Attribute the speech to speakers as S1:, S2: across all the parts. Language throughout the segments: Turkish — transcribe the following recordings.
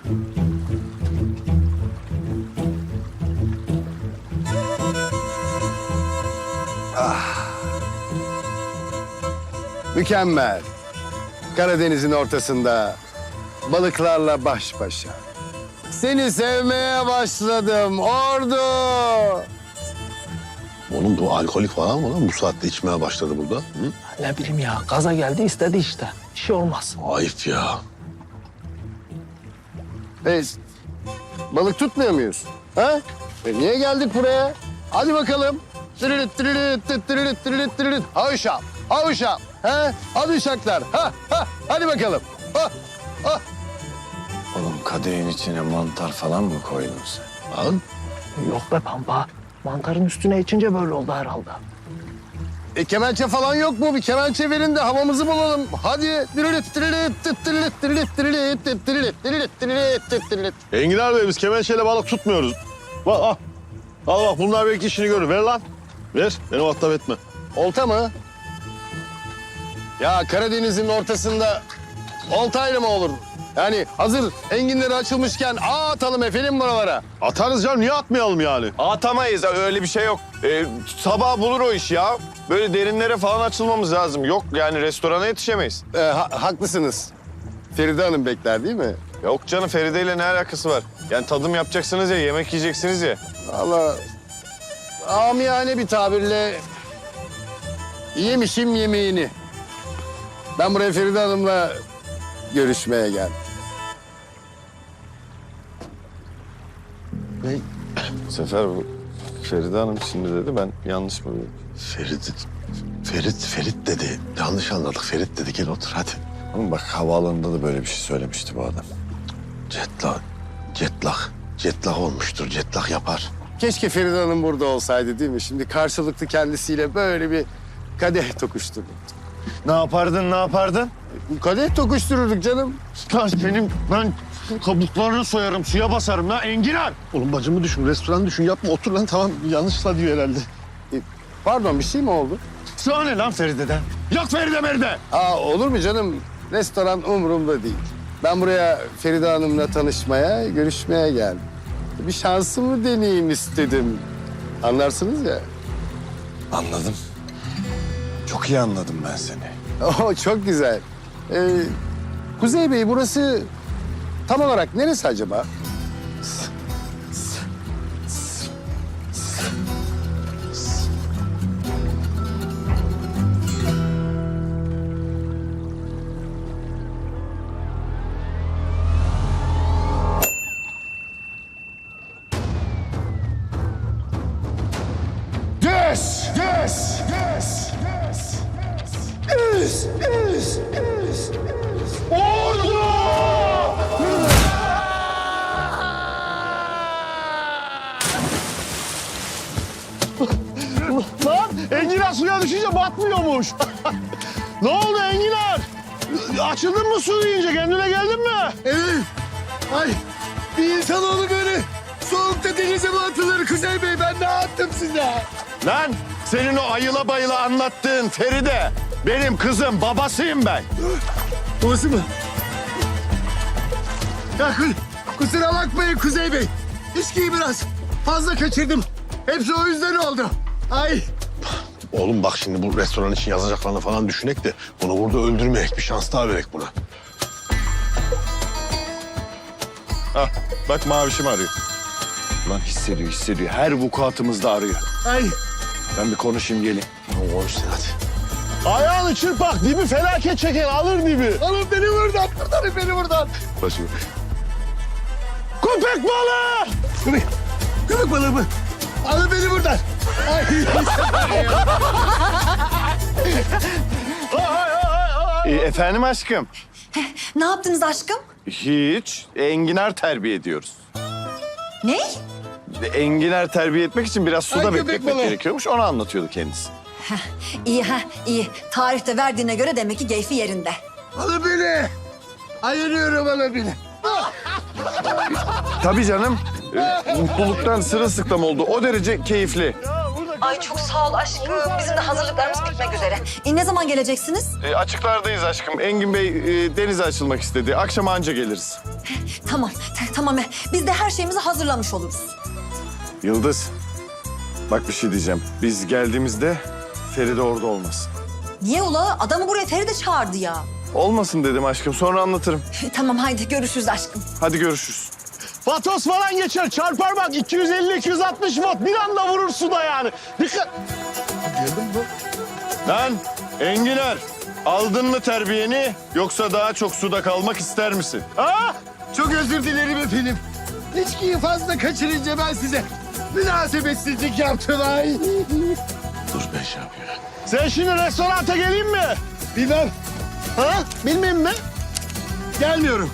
S1: Mükemmel. Karadeniz'in ortasında balıklarla baş başa. Seni sevmeye başladım Ordu.
S2: Oğlum bu alkolik falan mı lan? Bu saatte içmeye başladı burada. Hı?
S3: Ne bileyim ya, gaza geldi istedi işte. Bir şey olmaz.
S2: Ayıp ya.
S1: Balık tutmuyor muyuz? Ha? Niye geldik buraya? Hadi bakalım. Tırırıt tırırıt tırırıt tırırıt tırırıt tırırıt. Havuşam, havuşam. Ha? Hadi uşaklar. Ha, ha. Hadi bakalım. Ha, ha.
S4: Oğlum kadehin içine mantar falan mı koydun sen?
S2: Lan
S3: Yok be Pampa. Mantarın üstüne içince böyle oldu herhalde.
S1: Kemençe falan yok mu? Bir kemençe verin de havamızı bulalım. Hadi. Tırırıt tırırıt tırırıt tırırıt tırırıt tırırıt tırırıt tırırıt tırırıt.
S2: Enginar Bey biz kemençeyle balık tutmuyoruz. Bak al. Al bak bunlar belki işini görür. Ver lan. Ver. Beni muhatap etme.
S1: Olta mı? Ya Karadeniz'in ortasında oltayla mı olur? Yani hazır enginleri açılmışken atalım efendim buralara.
S2: Atarız canım. Niye atmayalım yani?
S4: Atamayız, öyle bir şey yok. Sabah bulur o iş ya. Böyle derinlere falan açılmamız lazım. Yok yani restorana yetişemeyiz.
S1: Haklısınız. Feride Hanım bekler değil mi?
S4: Yok canım, Feride ile ne alakası var? Yani tadım yapacaksınız ya, yemek yiyeceksiniz ya.
S1: Vallahi amiyane bir tabirle yemişim yemeğini. Ben buraya Feride Hanım'la görüşmeye geldim.
S4: Bu sefer bu Feride Hanım şimdi dedi, ben yanlış mı dedim?
S2: Ferit dedi. Yanlış anladık. Ferit dedi. Gel otur hadi.
S4: Ama bak havaalanında da böyle bir şey söylemişti bu adam.
S2: Jetlag olmuştur. Jetlag yapar.
S1: Keşke Feride Hanım burada olsaydı değil mi? Şimdi karşılıklı kendisiyle böyle bir kadeh tokuşturduk.
S4: Ne yapardın?
S1: Kadeh tokuştururduk canım.
S2: Ben kabuklarını soyarım, suya basarım lan enginar. Oğlum bacımı düşün, restoran düşün. Yapma otur lan tamam. Yanlışla diyor herhalde.
S1: Pardon bir şey mi oldu?
S2: Sana ne lan Feride'den? Yok Feride Meride.
S1: Olur mu canım? Restoran umurumda değil. Ben buraya Feride Hanım'la tanışmaya, görüşmeye geldim. Bir şansımı deneyeyim istedim. Anlarsınız ya.
S4: Anladım. Çok iyi anladım ben seni.
S1: Çok güzel. Kuzey Bey burası tam olarak neresi acaba?
S2: Lan enginar suya düşünce batmıyormuş. Ne oldu enginar? Açıldın mı su yiyince? Kendine geldin mi?
S1: Evet. Ay bir insanoğlu böyle soğukta denize mi atılır Kuzey Bey? Ben ne yaptım size?
S4: Lan senin o ayıla bayıla anlattığın Feride benim kızım, babasıyım ben.
S1: Babası mı? Ya kusura bakmayın Kuzey Bey. İçkiyi biraz fazla kaçırdım. Hepsi o yüzden oldu. Ay.
S2: Oğlum bak şimdi bu restoran için yazacaklarını falan düşünek de bunu burada öldürmeyek. Bir şans daha verek buna.
S4: Hah, bak mavişim arıyor. Lan hissediyor. Her vukuatımızda arıyor.
S1: Ay.
S4: Ben bir konuşayım gelin.
S2: Konuş sen hadi. Ayağını çırpak dibi felaket çeker alır dibi.
S1: Alın beni buradan. Kurtarın beni buradan.
S2: Başım. Köpek balığı!
S1: Köpek balığı mı? Alın beni buradan. Ay.
S4: Efendim aşkım?
S5: Ne yaptınız aşkım?
S4: Hiç. Enginar terbiye ediyoruz.
S5: Ne?
S4: Enginar terbiye etmek için biraz suda
S1: Ay, köpek
S4: bekletmek
S1: balığı.
S4: gerekiyormuş. Onu anlatıyordu kendisi.
S5: İyi. Tarihte verdiğine göre demek ki keyfi yerinde.
S1: Alın beni. Ayırıyorum alın beni.
S4: Tabii canım. Mutluluktan sırılsıklam oldu. O derece keyifli.
S5: Ay çok sağ ol aşkım. Bizim de hazırlıklarımız bitmek üzere. Ne zaman geleceksiniz?
S4: Açıklardayız aşkım. Engin Bey denize açılmak istedi. Akşam anca geliriz.
S5: Tamam, tamam. Biz de her şeyimizi hazırlamış oluruz.
S4: Yıldız, bak bir şey diyeceğim. Biz geldiğimizde Feride orada olmasın.
S5: Niye ula? Adamı buraya Feride çağırdı ya.
S4: Olmasın dedim aşkım. Sonra anlatırım.
S5: Tamam haydi görüşürüz aşkım.
S4: Hadi görüşürüz.
S2: Patos falan geçer. Çarpar bak 250-260 watt. Bir anda vurur suda yani. Dikkat.
S4: Lan Enginar, aldın mı terbiyeni yoksa daha çok suda kalmak ister misin?
S2: Ha?
S1: Çok özür dilerim efendim. İçkiyi fazla kaçırınca ben size münasebetsizlik yaptım ay.
S2: Dur ben şey yapıyorum. Sen şimdi restoranta geleyim mi?
S1: Bilmem.
S2: Ha? Bilmeyeyim mi?
S1: Gelmiyorum.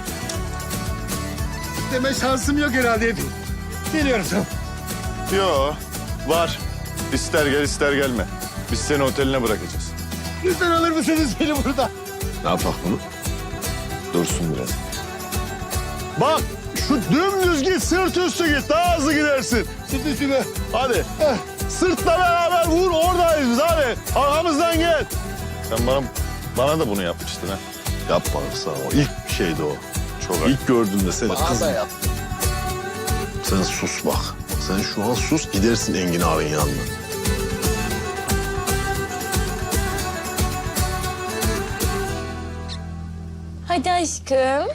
S1: Deme şansım yok herhalde efendim. Geliyorum tamam.
S4: Yo, var. İster gel ister gelme. Biz seni oteline bırakacağız.
S1: Lütfen alır mısınız beni burada?
S2: Ne yapak bunu?
S4: Dursun biraz.
S2: Bak şu dümdüz git, sırt üstü git. Daha hızlı gidersin.
S1: Süt üstüme.
S2: Hadi. Sırtla beraber vur, oradayız biz. Hadi. Arkamızdan gel.
S4: Sen bana da bunu yapmıştın ha.
S2: Yapma sana o. İlk şeydi o.
S4: Çok
S2: İlk gördüğümde seni
S1: Bana
S2: kızım.
S1: da yap.
S2: Sen sus bak. Sen şu an sus, gidersin Engin ağabey'in yanına.
S6: Hadi aşkım.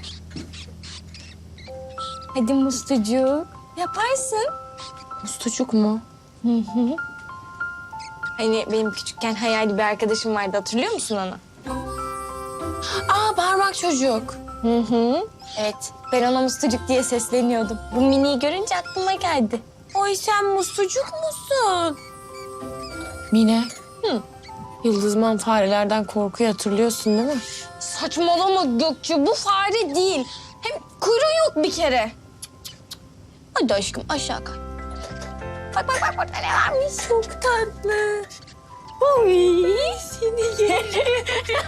S6: Hadi mustucuk. Yaparsın. Mustucuk mu? Hı hı. Hani benim küçükken hayali bir arkadaşım vardı. Hatırlıyor musun onu? Aa, parmak çocuk. Hı hı. Evet. Ben ona mustucuk diye sesleniyordum. Bu miniyi görünce aklıma geldi. Oy sen mustucuk musun?
S7: Mine.
S6: Hı.
S7: Yıldızman farelerden korkuyu hatırlıyorsun değil mi?
S6: Saçmalama Gökçe. Bu fare değil. Hem kuyruğu yok bir kere. Hadi aşkım aşağı kay. Bak bak bak burada ne varmış. Çok tatlı. Oy seni yerim.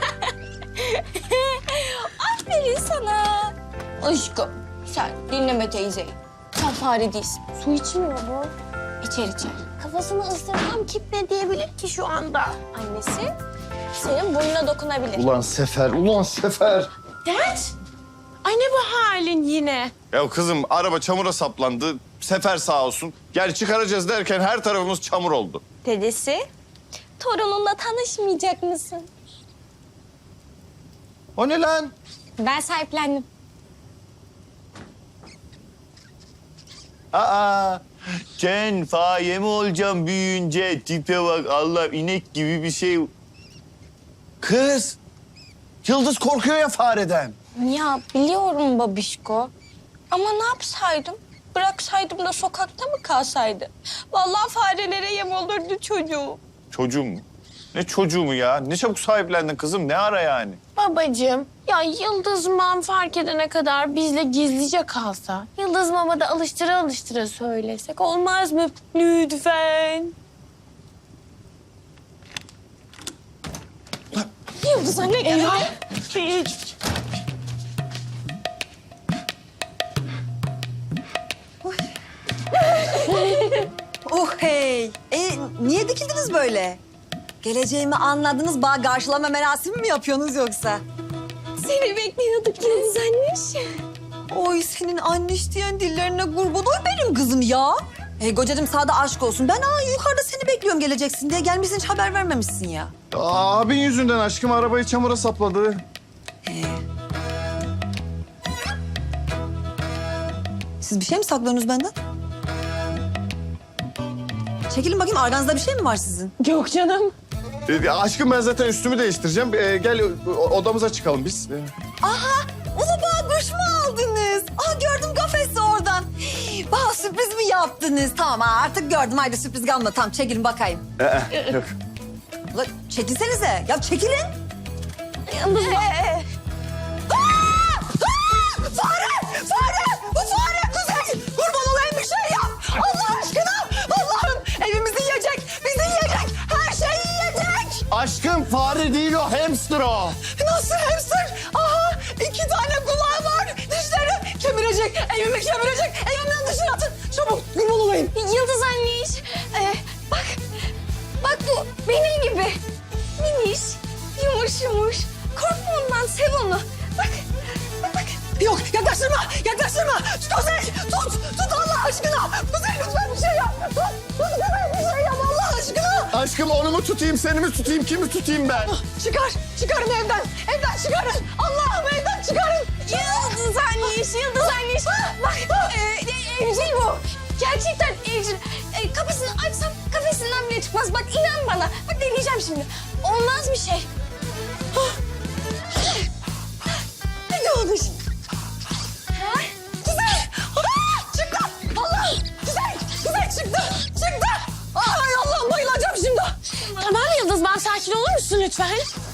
S6: Aferin sana. Aşkım sen dinleme teyzeyi. Sen fare değilsin. Su içmiyor bu. İçer içer. Kafasını ısırsam kim ne diyebilir ki şu anda? Annesi senin burnuna dokunabilir.
S1: Ulan Sefer, ulan Sefer.
S7: Dert. Ay ne bu halin yine?
S4: Ya kızım araba çamura saplandı. Sefer sağ olsun. Gel çıkaracağız derken her tarafımız çamur oldu.
S6: Dedesi, torununla tanışmayacak mısın?
S1: O ne lan?
S6: Ben sahiplendim.
S4: Aa, Ken faye mi olacağım büyüyünce? Tipe bak Allah inek gibi bir şey. Kız, Yıldız korkuyor ya fareden.
S6: Ya biliyorum babişko. Ama ne yapsaydım? Bıraksaydım da sokakta mı kalsaydı? Vallahi farelere yem olurdu çocuğu.
S4: Çocuğum mu? Ne çocuğu mu ya? Ne çabuk sahiplendin kızım? Ne ara yani?
S7: Babacığım, ya Yıldız Mam fark edene kadar bizle gizlice kalsa, Yıldız Mam'a da alıştıra alıştıra söylesek olmaz mı? Lütfen.
S6: Yıldız anne geldi.
S5: Oh hey. Niye dikildiniz böyle? Geleceğimi anladınız, bağ karşılama merasimi mi yapıyorsunuz yoksa?
S6: Seni bekliyorduk Yıldız anne.
S5: Oy senin anneş diyen dillerine kurban oy benim kızım ya. Kocacığım sağda aşk olsun. Ben yukarıda seni bekliyorum geleceksin diye gelmişsin hiç haber vermemişsin ya.
S4: Abin yüzünden aşkım arabayı çamura sapladı.
S5: Siz bir şey mi saklıyorsunuz benden? Çekilin bakayım arganızda bir şey mi var sizin?
S7: Yok canım.
S4: Aşkım ben zaten üstümü değiştireceğim. Gel odamıza çıkalım biz.
S5: Ulu bana kuş mu aldınız? Gördüm kafesi oradan. Bana sürpriz mi yaptınız? Tamam artık gördüm. Haydi sürpriz kalmadı. Tamam çekilin bakayım.
S4: Yok.
S5: Ulan çekilsenize. Ya çekilin.
S6: Yıldız
S5: Fare! Fare! Bu fare! Kuzey! Kurban olayım bir şey yap! Allah aşkına! Allah'ım! Evimizi yiyecek! Bizi yiyecek! Her şeyi yiyecek!
S4: Aşkım fare değil o hamster o.
S5: Nasıl hamster? Aha! 2 tane kulağı var! Dişleri kemirecek! Evimi kemirecek! Evimden dışarı atın! Çabuk! Kurban olayım!
S6: Yıldız anne bak yumuş. Korkma ondan, sev onu. Bak, bak, bak.
S5: Yok yaklaştırma yaklaştırma. Kuzey tut Allah aşkına. Kuzey lütfen bir şey yap. Tut Kuzey bir şey yap Allah aşkına.
S1: Aşkım onu mu tutayım, seni mi tutayım, kimi tutayım ben?
S5: Çıkarın evden çıkarın. Allah'ım evden çıkarın.
S6: Yıldız anneş. Bak, evcil bu. Gerçekten evcil. Kafesini açsam kafesinden bile çıkmaz. Bak inan bana. Bak deneyeceğim şimdi. Olmaz bir şey.
S5: Ne oldu şimdi? Kuzey! Çıktı! Allah! Kuzey çıktı! Ay Allah'ım bayılacağım şimdi.
S7: Tamam Yıldız, ben sakin olur musun lütfen?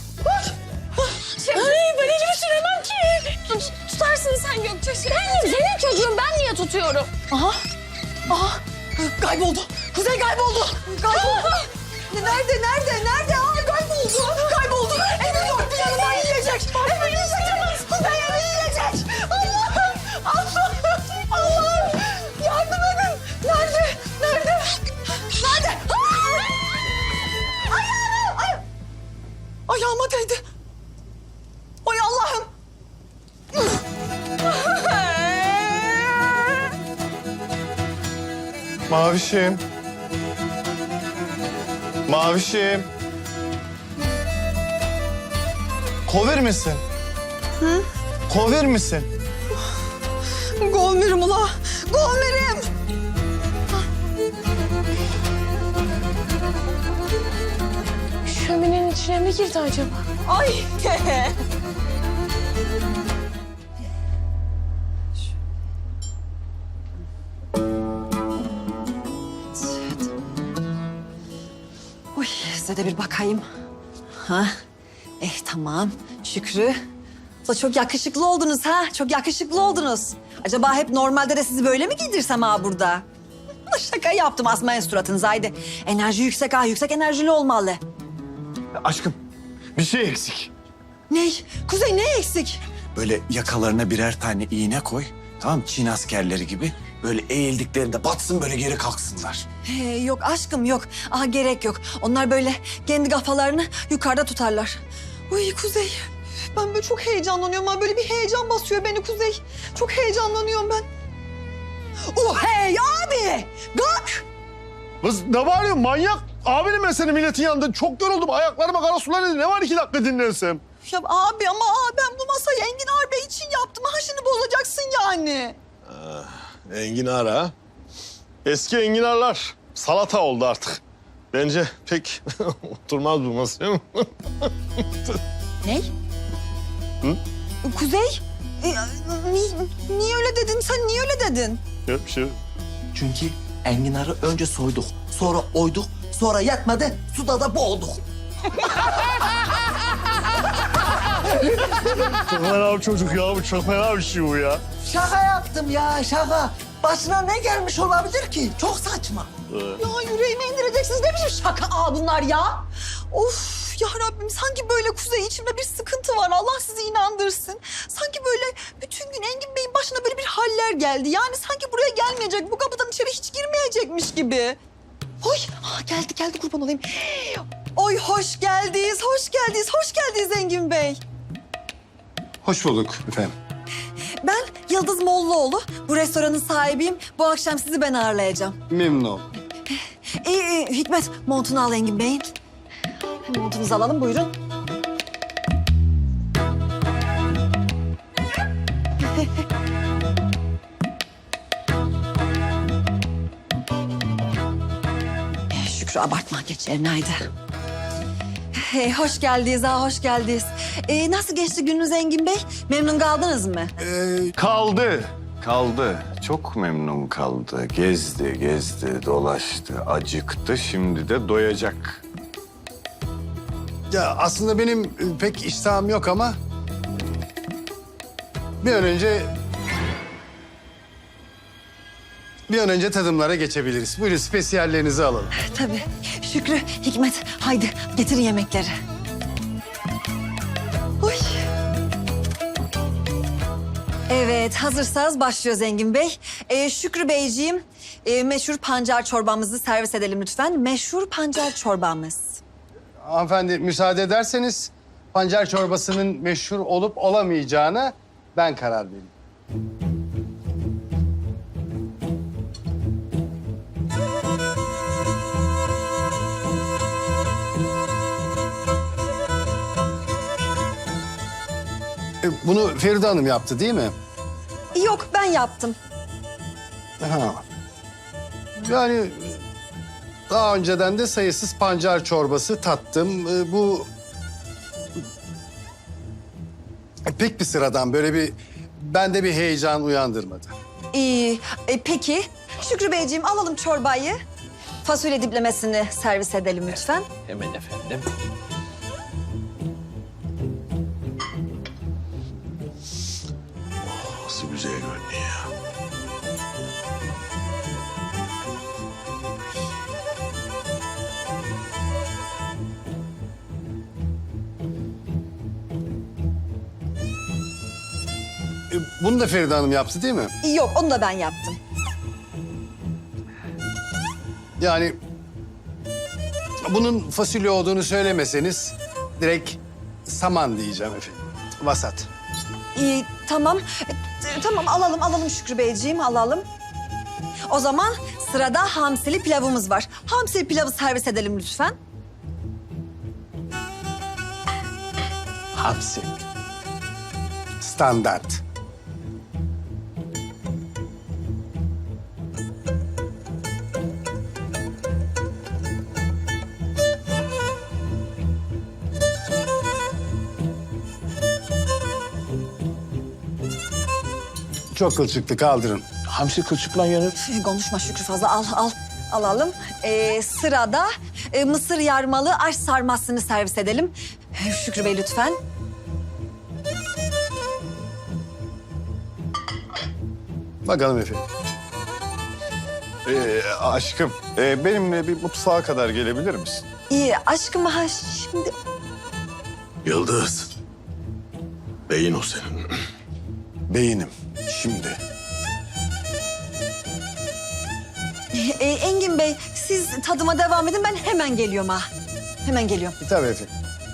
S6: Ay ben elimi süremem ki. Tutarsın sen Gökçe.
S7: Senin çocuğun, ben niye tutuyorum?
S5: Aha! Kayboldu. Kuzey kayboldu. Nerede? Ay kayboldu. Evin dört bir yanından yiyecek. Kuzey evi yiyecek. Allah'ım. Yardım edin. Nerede? Ayağıma değdi. Ay Allah'ım.
S1: Mavişim.
S4: Kovir misin? Hı? Kovir misin?
S5: Golmerim ula. Golmerim.
S7: Şöminenin içine mi girdi acaba?
S5: Ay. Uy, size de bir bakayım. Ha? Tamam. Şükrü. Da çok yakışıklı oldunuz ha. Çok yakışıklı oldunuz. Acaba hep normalde de sizi böyle mi giydirsem ha burada? Şaka yaptım, asmayın suratınızı haydi. Enerji yüksek ha, yüksek enerjili olmalı.
S2: Aşkım bir şey eksik.
S5: Ney? Kuzey ne eksik?
S4: Böyle yakalarına birer tane iğne koy. Tamam mı? Çin askerleri gibi. Böyle eğildiklerinde batsın, böyle geri kalksınlar.
S5: Yok aşkım yok. Aha gerek yok. Onlar böyle kendi kafalarını yukarıda tutarlar. Uy Kuzey. Ben böyle çok heyecanlanıyorum. Ha. Böyle bir heyecan basıyor beni Kuzey. Çok heyecanlanıyorum ben. Hey abi! Kalk!
S2: Kız ne bağırıyorsun manyak? Abinim ben senin milletin yanında. Çok yoruldum. Ayaklarıma kara sular indi. Ne var 2 dakika dinlensem?
S5: Ya abi ama ben bu masayı Engin Bey için yaptım. Ha şimdi bozacaksın yani.
S2: Enginar ha? Eski enginarlar salata oldu artık. Bence pek oturmaz bu masaya.
S5: Ne?
S2: Hı?
S5: Kuzey? Niye öyle dedin? Sen niye öyle dedin?
S2: Yok bir şey yok.
S3: Çünkü enginarı önce soyduk, sonra oyduk, sonra yetmedi, suda da boğduk.
S2: Çok fena bir çocuk ya. Bu çok fena bir şey bu ya.
S3: Şaka yaptım ya, şaka. Başına ne gelmiş olabilir ki? Çok saçma.
S5: Ya yüreğime indireceksiniz. Ne biçim şaka bunlar ya? Of ya Rabbim sanki böyle Kuzey içimde bir sıkıntı var. Allah sizi inandırsın. Sanki böyle bütün gün Engin Bey'in başına böyle bir haller geldi. Yani sanki buraya gelmeyecek, bu kapıdan içeri hiç girmeyecekmiş gibi. Oy geldi kurban olayım. Oy hoş geldiniz Engin Bey.
S1: Hoş bulduk efendim.
S5: Ben Yıldız Mollaoğlu. Bu restoranın sahibiyim. Bu akşam sizi ben ağırlayacağım.
S1: Memnun oldum.
S5: Hikmet montunu al Engin Bey'in. Montunuzu alalım buyurun. Şükrü abartma geç yerine haydi. Hoş geldiniz hoş geldiniz. Nasıl geçti gününüz Engin Bey? Memnun kaldınız mı?
S4: Kaldı. Çok memnun kaldı. Gezdi, dolaştı, acıktı. Şimdi de doyacak.
S1: Ya aslında benim pek iştahım yok ama... Bir an önce tadımlara geçebiliriz. Buyurun spesiyallerinizi alalım.
S5: Tabii. Şükrü, Hikmet haydi getirin yemekleri. Oy. Evet, hazırsanız başlıyoruz Engin Bey. Şükrü Beyciğim, meşhur pancar çorbamızı servis edelim lütfen. Meşhur pancar çorbamız.
S1: Hanımefendi müsaade ederseniz pancar çorbasının meşhur olup olamayacağına ben karar vereyim. Bunu Feride Hanım yaptı değil mi?
S5: Yok, ben yaptım.
S1: Ha. Yani daha önceden de sayısız pancar çorbası tattım. Bu pek bir sıradan, böyle bir bende bir heyecan uyandırmadı.
S5: İyi. Peki, Şükrü Beyciğim alalım çorbayı. Fasulye diplemesini servis edelim lütfen.
S3: Hemen efendim.
S2: Nasıl güzel görünüyor ya.
S1: Bunu da Feride Hanım yaptı değil mi?
S5: Yok, onu da ben yaptım.
S1: Yani bunun fasulye olduğunu söylemeseniz direkt saman diyeceğim efendim. Vasat.
S5: İyi, tamam. Tamam, alalım Şükrü Beyciğim, alalım. O zaman sırada hamsili pilavımız var. Hamsili pilavı servis edelim lütfen.
S1: Hamsi. Standart. Çok kılçıklı, kaldırın.
S3: Hamsi kılçıkla yenir.
S5: Konuşma Şükrü fazla, al. Alalım. Sırada mısır yarmalı aş sarmasını servis edelim. Şükrü Bey lütfen.
S1: Bakalım efendim.
S2: Aşkım, benimle bir mutfağa kadar gelebilir misin?
S5: İyi, aşkım ha şimdi...
S2: Yıldız. Beyin o senin. Beyinim. Şimdi.
S5: Engin Bey, siz tadıma devam edin, ben hemen geliyorum ha. Hemen geliyorum.
S1: Tabii efendim.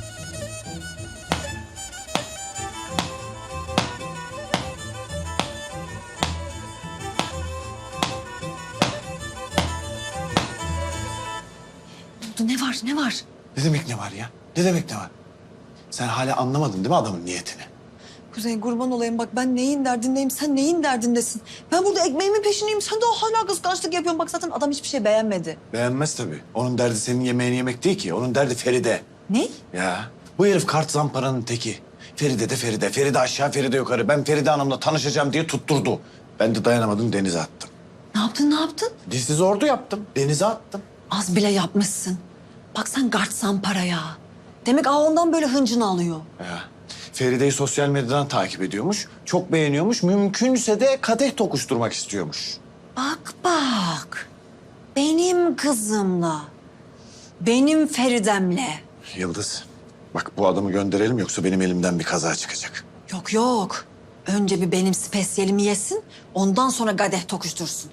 S5: Ne var?
S8: Ne demek ne var ya? Ne demek ne var? Sen hala anlamadın değil mi adamın niyetini?
S5: Kuzey kurban olayım bak, ben neyin derdindeyim, sen neyin derdindesin? Ben burada ekmeğimin peşindeyim, sen de hala kıskançlık yapıyorsun. Bak zaten adam hiçbir şey beğenmedi.
S8: Beğenmez tabii. Onun derdi senin yemeğini yemek değil ki. Onun derdi Feride.
S5: Ne?
S8: Ya bu herif kart zamparanın teki. Feride de Feride. Feride aşağı, Feride yukarı. Ben Feride Hanım'la tanışacağım diye tutturdu. Ben de dayanamadım, denize attım.
S5: Ne yaptın?
S8: Dizsiz ordu yaptım. Denize attım.
S5: Az bile yapmışsın. Bak sen gartsan paraya. Demek ondan böyle hıncını alıyor.
S8: Ya. Feride'yi sosyal medyadan takip ediyormuş. Çok beğeniyormuş. Mümkünse de kadeh tokuşturmak istiyormuş.
S5: Bak. Benim kızımla, benim Feridem'le.
S8: Yıldız, bak bu adamı gönderelim yoksa benim elimden bir kaza çıkacak.
S5: Yok. Önce bir benim spesiyelimi yesin, ondan sonra kadeh tokuştursun.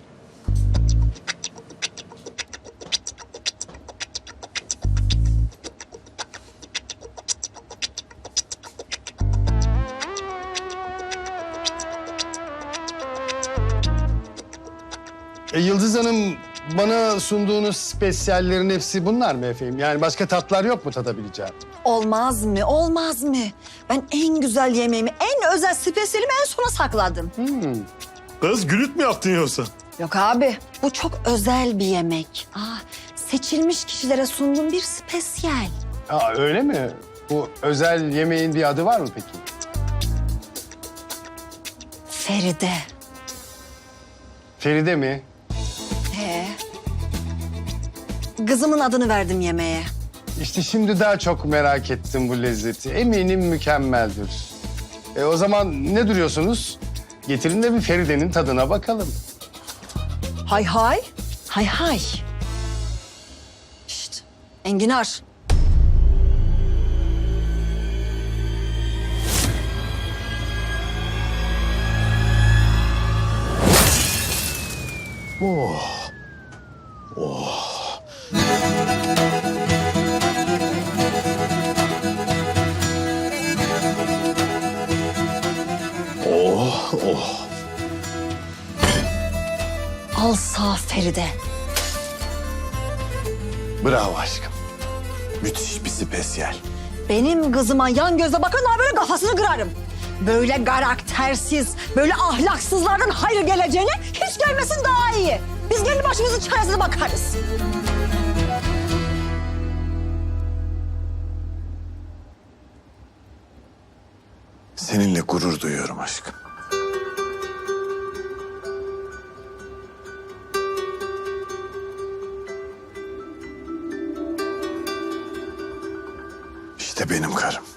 S1: Yıldız Hanım, bana sunduğunuz spesiyallerin hepsi bunlar mı efendim? Yani başka tatlar yok mu tadabileceğim?
S5: Olmaz mı? Ben en güzel yemeğimi, en özel spesiyelimi en sona sakladım.
S2: Kız gülüt mü yaptın yoksa?
S5: Yok abi, bu çok özel bir yemek. Seçilmiş kişilere sunduğum bir spesiyel.
S1: Öyle mi? Bu özel yemeğin bir adı var mı peki?
S5: Feride.
S1: Feride mi?
S5: Kızımın adını verdim yemeğe.
S1: İşte şimdi daha çok merak ettim bu lezzeti. Eminim mükemmeldir. O zaman ne duruyorsunuz? Getirin de bir Feride'nin tadına bakalım.
S5: Hay. Şşt, Enginar.
S8: Oh oh.
S5: Al sağ Feride.
S8: Bravo aşkım. Müthiş bir spesiyel.
S5: Benim kızıma yan gözle bakanlar böyle kafasını kırarım. Böyle karaktersiz, böyle ahlaksızlardan hayır geleceğine hiç gelmesin daha iyi. Biz kendi başımızın çaresine bakarız.
S8: Seninle gurur duyuyorum aşkım. İşte benim karım.